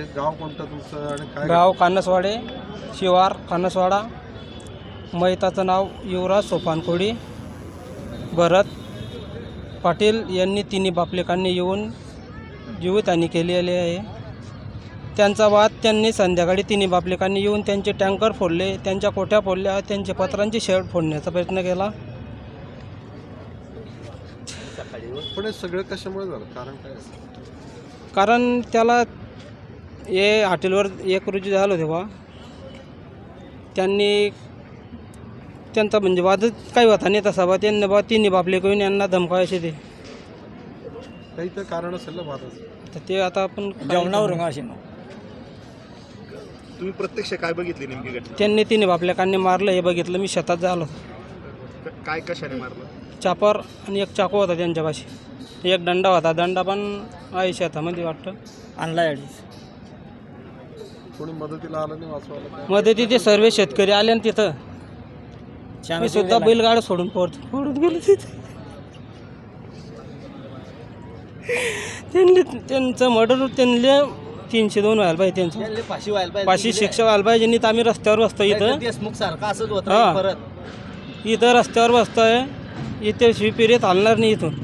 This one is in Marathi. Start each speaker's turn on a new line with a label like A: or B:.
A: गाव कोणतं तुमचं आणि काय?
B: गाव कानसवाडे, शिवार कानसवाडा. मैताचं नाव युवराज सोपानकोडी. भरत पाटील यांनी तिन्ही बापलेकांनी येऊन जीवितहानी केलेली आहे. त्यांचा वाद त्यांनी संध्याकाळी तिन्ही बापलेकांनी येऊन त्यांचे टँकर फोडले, त्यांच्या कोठ्या फोडल्या, त्यांचे पत्रांची शेड फोडण्याचा प्रयत्न केला.
A: पण हे सगळं कशामुळे झालं, कारण काय?
B: कारण त्याला हे हॉटेलवर 1 रोजी झालं तेव्हा त्यांनी त्यांचा म्हणजे वादच काही होता नाही तसा बा. त्यांनी बा तिन्ही बापले करून यांना धमकावायचे ते.
A: काही तर कारण असेल ना वादाचं.
B: तर ते आता आपण
C: जेवणावर असे तुम्ही प्रत्यक्ष काय बघितले नेमकी घटना?
B: त्यांनी तिन्ही बापलेकांनी मारलं हे बघितलं. मी शेतात झालो.
C: काय कशाने मारलं?
B: चापर आणि एक चाकू होता त्यांच्यापाशी. एक दंडा होता. दंडा पण आहे शेतामध्ये वाटतं आणला.
A: कोणी मदतीला आलं नाही वाचवायला?
B: मध्ये तिथे सर्व शेतकरी आले आणि तिथं मी सुद्धा बैलगाडा सोडून पडून गेलो तिथे. त्यांचं मर्डर त्यांना 302 व्हायला पाहिजे. त्यांचं
C: फाशी व्हायला पाहिजे,
B: फाशी शिक्षा व्हायला पाहिजे. नाही तर आम्ही रस्त्यावर बसतो इथं.
C: देशमुख सारखं असंच
B: हां.
C: होतं परत.
B: इथं रस्त्यावर बसतोय. इथे शिवपिरीत हलणार नाही इथून.